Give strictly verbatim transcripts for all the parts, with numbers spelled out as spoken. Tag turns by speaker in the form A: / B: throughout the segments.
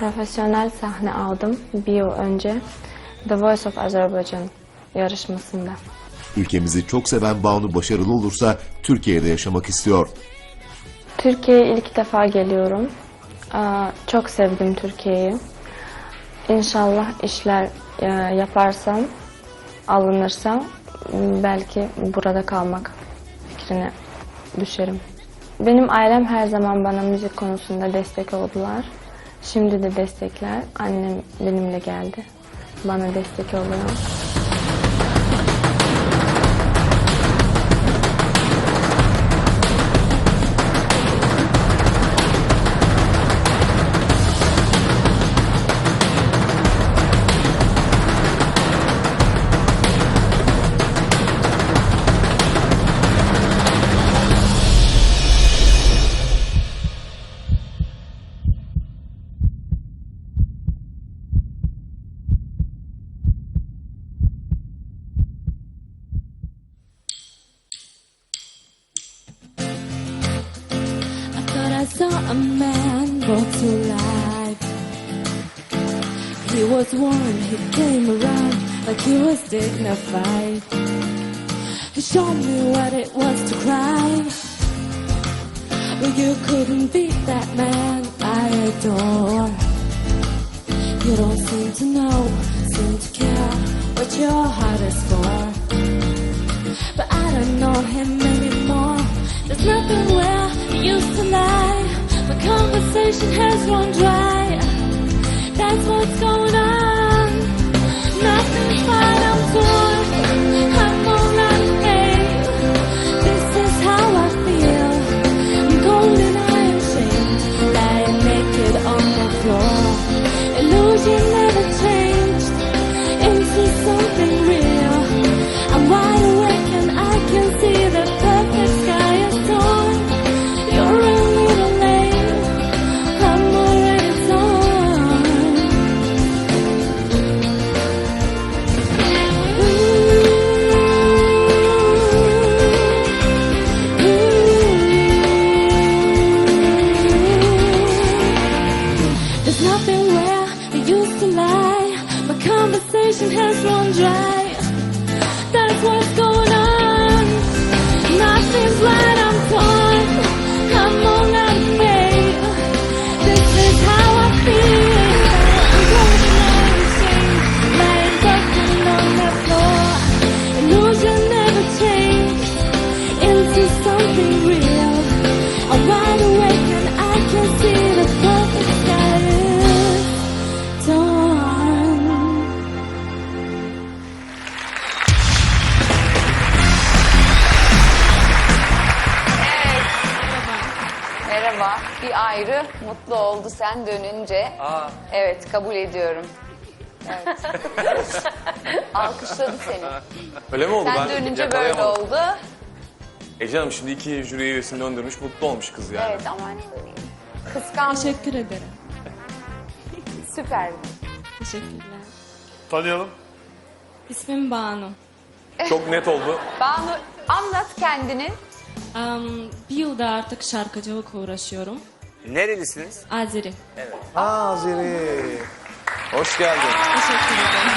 A: Profesyonel sahne aldım bir yıl önce The Voice of Azerbaijan yarışmasında.
B: Ülkemizi çok seven Banu başarılı olursa Türkiye'de yaşamak istiyor.
A: Türkiye'ye ilk defa geliyorum. Aa, Çok sevdim Türkiye'yi. İnşallah işler e, yaparsam, alınırsam belki burada kalmak fikrine düşerim. Benim ailem her zaman bana müzik konusunda destek oldular. Şimdi de destekler. Annem benimle geldi. Bana destek oluyor.
C: I saw a man brought to life. He was warm, he came around like he was dignified. He showed me what it was to cry. Well, you couldn't beat that man I adore. You don't seem to know, seem to care what your heart is for. But I don't know him anymore. There's nothing where he used to lie. My conversation has run dry. That's what's going on. Nothing's fine, I'm torn. I'm all out of pain. This is how I feel. I'm cold and I am shamed, lying naked on the floor. Illusion never changed into something real. I'm wide awake and I can see the perfect sky is torn. You're a little late, I'm already torn. Ooh, ooh. There's nothing where I used to lie. My conversation has run dry. That's what's going on. Nothing's right, I'm torn. I'm all out of faith. This is how I feel. I'm going out of shame, lying broken on the floor. Illusion never changed into something real. I'm wide awake and I can see the perfect sky is torn.
D: Merhaba. Bir ayrı mutlu oldu sen dönünce.
E: Aa.
D: Evet, kabul ediyorum. Evet. Alkışladı seni.
E: Öyle mi oldu?
D: Sen
E: Ben
D: dönünce böyle
E: yakalayamadım.
D: oldu.
E: E canım şimdi iki jüri üyesini döndürmüş, mutlu olmuş kız yani.
D: Evet ama ne bileyim. Kıskanç.
C: Teşekkür ederim.
D: Süper.
C: Teşekkürler.
F: Tanıyalım.
C: İsmim Banu.
E: Çok net oldu.
D: Banu, anlat kendini.
C: Um, bir yılda artık şarkıcılıkla uğraşıyorum.
G: Nerelisiniz?
C: Azeri.
G: Azeri. Hoş geldin.
C: Teşekkür ederim.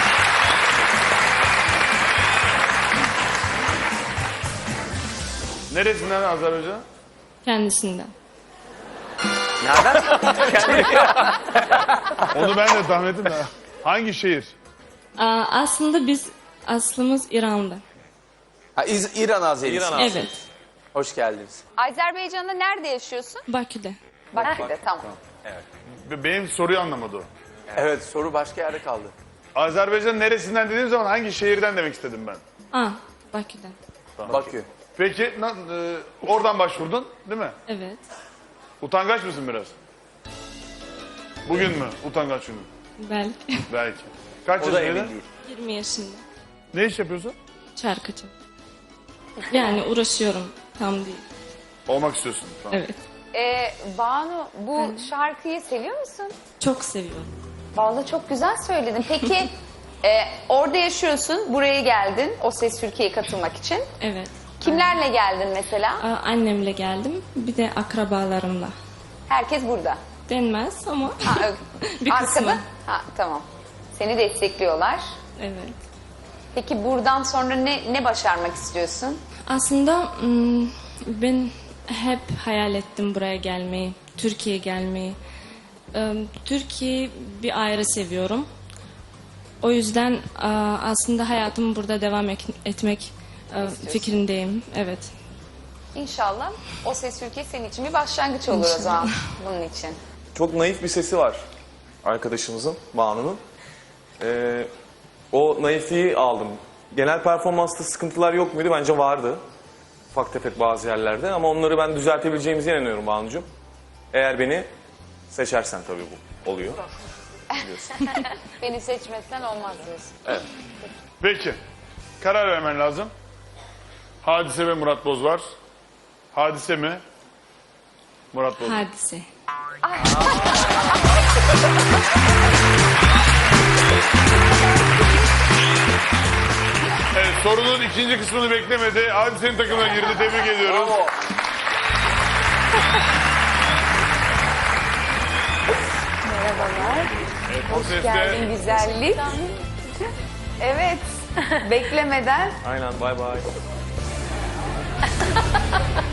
F: Neresinden Azerbaycan?
C: Kendisinden.
G: Nereden? Kendi...
F: Onu ben de tahmin ettim de. Hangi şehir?
C: Aa, aslında biz aslımız İran'da.
G: Ha, İz- İran Azerisi.
E: İran Azeri.
C: Evet.
G: Hoş geldiniz.
D: Azerbaycan'da nerede yaşıyorsun?
C: Bakü'de.
D: Bakü'de, tamam.
F: Be- Benim soruyu anlamadı o.
G: Evet, soru başka yerde kaldı.
F: Azerbaycan neresinden dediğim zaman hangi şehirden demek istedim ben.
C: Aa, Bakü'den.
G: Bakü.
F: Peki na- e, oradan başvurdun değil mi?
C: Evet.
F: Utangaç mısın biraz? Bugün mü utangaç günü?
C: Belki.
F: Belki. Kaç
G: O da emin
F: yaşındaydın?
G: değil.
C: yirmi yaşında.
F: Ne iş yapıyorsun?
C: Şarkıcı. Yani uğraşıyorum. Tam değil.
F: Olmak istiyorsun. Tamam.
C: Evet.
D: Ee, Banu, bu şarkıyı seviyor musun?
C: Çok seviyorum.
D: Vallahi çok güzel söyledin. Peki e, orada yaşıyorsun, buraya geldin O Ses Türkiye'ye katılmak için.
C: Evet.
D: Kimlerle geldin mesela?
C: Aa, annemle geldim. Bir de akrabalarımla.
D: Herkes burada.
C: denmez ama
D: Ha,
C: bir kısmı.
D: arkada. Ha, tamam. Seni destekliyorlar.
C: Evet.
D: Peki buradan sonra ne ne başarmak istiyorsun?
C: Aslında hmm, ben hep hayal ettim buraya gelmeyi, Türkiye'ye gelmeyi. Ee, Türkiye'yi bir ayrı seviyorum. O yüzden e, aslında hayatımı burada devam ek- etmek e, fikrindeyim. Evet.
D: İnşallah O Ses Türkiye senin için bir başlangıç olur o zaman bunun için.
E: Çok naif bir sesi var arkadaşımızın, Banu'nun. Ee, o naifliği aldım. Genel performansta sıkıntılar yok muydu? Bence vardı. Ufak tefek bazı yerlerde ama onları ben düzeltebileceğimize inanıyorum Banu'cum. Eğer beni seçersen tabii bu oluyor.
D: Beni seçmezsen olmaz diyorsun.
F: Peki. Karar vermen lazım. Hadise ve Murat Boz var. Hadise mi? Murat Boz. mu?
C: Hadise.
F: Evet, sorunun ikinci kısmını beklemedi. Hadise'nin takımına girdi. Tebrik ediyoruz.
G: Bravo.
D: Merhabalar.
F: O seste
D: Geldin güzellik. Evet. Beklemeden
E: Aynen, bay bay.